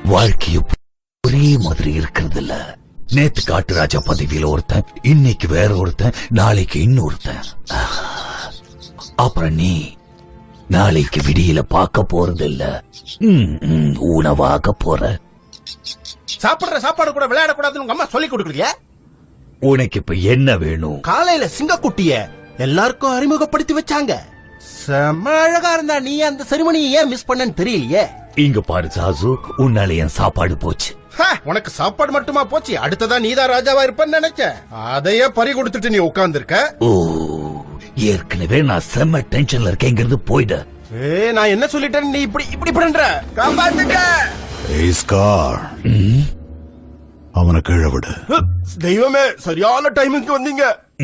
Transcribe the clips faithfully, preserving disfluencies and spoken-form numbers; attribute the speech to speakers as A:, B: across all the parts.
A: வாழ்க்கைய ஒரே மாதிரி இருக்கிறது இல்ல. நேத்து காட்டு ராஜா பதவியில ஒருத்தன், இன்னைக்கு வேற ஒருத்தன், நாளைக்கு இன்னொருத்தன். அப்புறம் நீ நாளைக்கு விடியில பார்க்க போறது இல்ல, உணவாக போற.
B: சாப்பிடுற சாப்பாடு கூட விளையாடக்கூடாதுன்னு உங்க அம்மா சொல்லி கொடுக்கலையா?
A: உனக்கு இப்ப என்ன வேணும்?
B: காலையில சிங்கக்குட்டிய எல்லாருக்கும் அறிமுகப்படுத்தி வச்சாங்க. செம்ம அழகா இருந்தா நீ அந்த செரிமனியை ஏன் மிஸ் பண்ணன்னு தெரியலையே.
A: இங்க பாரு சாசு, உன்னால என் சாப்பாடு போச்சு.
B: உனக்கு சாப்பாடு மட்டுமா போச்சு, அடுத்ததா நீதான் ராஜாவா இருப்பன்னு நினைச்ச. அதையே பறி கொடுத்துட்டு நீ உட்கார்ந்து இருக்க.
A: ஓ, ஏற்கனவே நான் செம்ம டென்ஷன்ல இருக்கேங்கிறது போயிட.
B: ஏ, நான் என்ன சொல்லிட்டேன் நீ இப்படி இப்படி பண்ற? காப்பாத்துக்க.
C: அவனை கீழே விடு.
B: தெய்வமே, சரியான டைமுக்கு வந்தீங்க.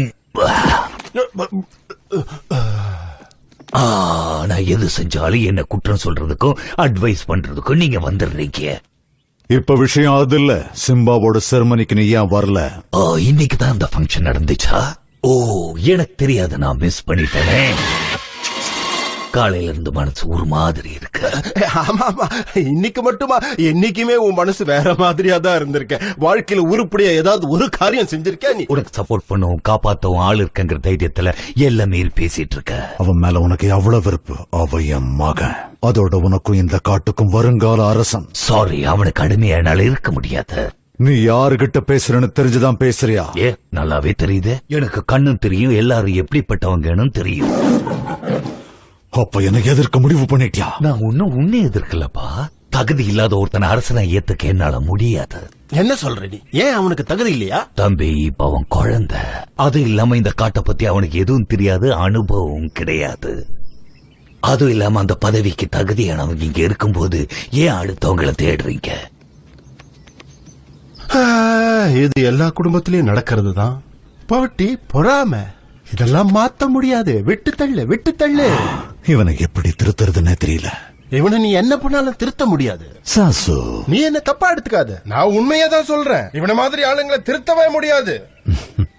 A: நான் எது செஞ்சாலும் என்ன குற்றம் சொல்றதுக்கும் அட்வைஸ் பண்றதுக்கும் நீங்க வந்துடுறீங்க.
C: இப்ப விஷயம் அது இல்ல. சிம்பாவோட செரமனிக்கு நீ ஏன் வரல?
A: இன்னைக்கு தான் அந்த ஃபங்க்ஷன் நடந்துச்சா? ஓ, எனக்கு தெரியாது, நான் மிஸ் பண்ணிட்டேனே. காலையில இருந்து மனசு ஒரு மாதிரி இருக்கு.
B: ஆமா ஆமா, இன்னைக்கு மட்டுமா? என்னைக்குமே உன் மனசு வேற மாதிரியா தான் இருந்திருக்க. வாழ்க்கையில உருப்படியா ஏதாவது ஒரு காரியம் செஞ்சிருக்க நீ?
A: உனக்கு சப்போர்ட் பண்ணவும் காப்பாத்தவும் ஆள் இருக்குங்கிற தைரியத்துல எல்லாம் மீறி பேசிட்டு இருக்க.
C: அவன் மேல உனக்கு எவ்வளவு வெறுப்பு. அவ என் மகன், அதோட உனக்கும் இந்த காட்டுக்கும் வருங்கால அரசன்.
A: சாரி, அவனுக்கு அடிமையா என்னால இருக்க முடியாது.
C: நீ யாருகிட்ட பேசுறன்னு தெரிஞ்சுதான் பேசுறியா?
A: ஏ, நல்லாவே தெரியுது. எனக்கு கண்ணும் தெரியும், எல்லாரும் எப்படிப்பட்டவங்கன்னு தெரியும்.
C: அப்ப எனக்கு எதிர்க்க முடிவு பண்ணிட்டியா?
A: நான் ஒன்னும் உன்னை எதிர்க்கலப்பா. தகுதி இல்லாத ஒருத்தனை அரசனை ஏத்துக்க என்னால முடியாது.
B: என்ன சொல்ற நீ? ஏன் அவனுக்கு தகுதி இல்லையா?
A: தம்பி, இப்ப அவன் குழந்தை. அது இல்லாம இந்த காட்டை பத்தி அவனுக்கு எதுவும் தெரியாது, அனுபவம் கிடையாது. அதுவும் இல்லாம அந்த பதவிக்கு தகுதியானவங்க இங்க இருக்கும்போது ஏன் அடுத்தவங்களை தேடுறீங்க?
B: இது எல்லா குடும்பத்திலயும் நடக்கிறது தான். போட்டி, பொறாம, இதெல்லாம் மாத்த முடியாது. விட்டு தள்ளு, விட்டு தள்ளு.
C: இவனை எப்படி திருத்துறதுன்னு தெரியல.
B: இவனை நீ என்ன பண்ணாலும் திருத்த முடியாது.
C: சாசு,
B: நீ என்ன தப்பா எடுத்துக்காத. நான் உண்மையா தான் சொல்றேன். இவன மாதிரி ஆளுங்களை திருத்தவே முடியாது.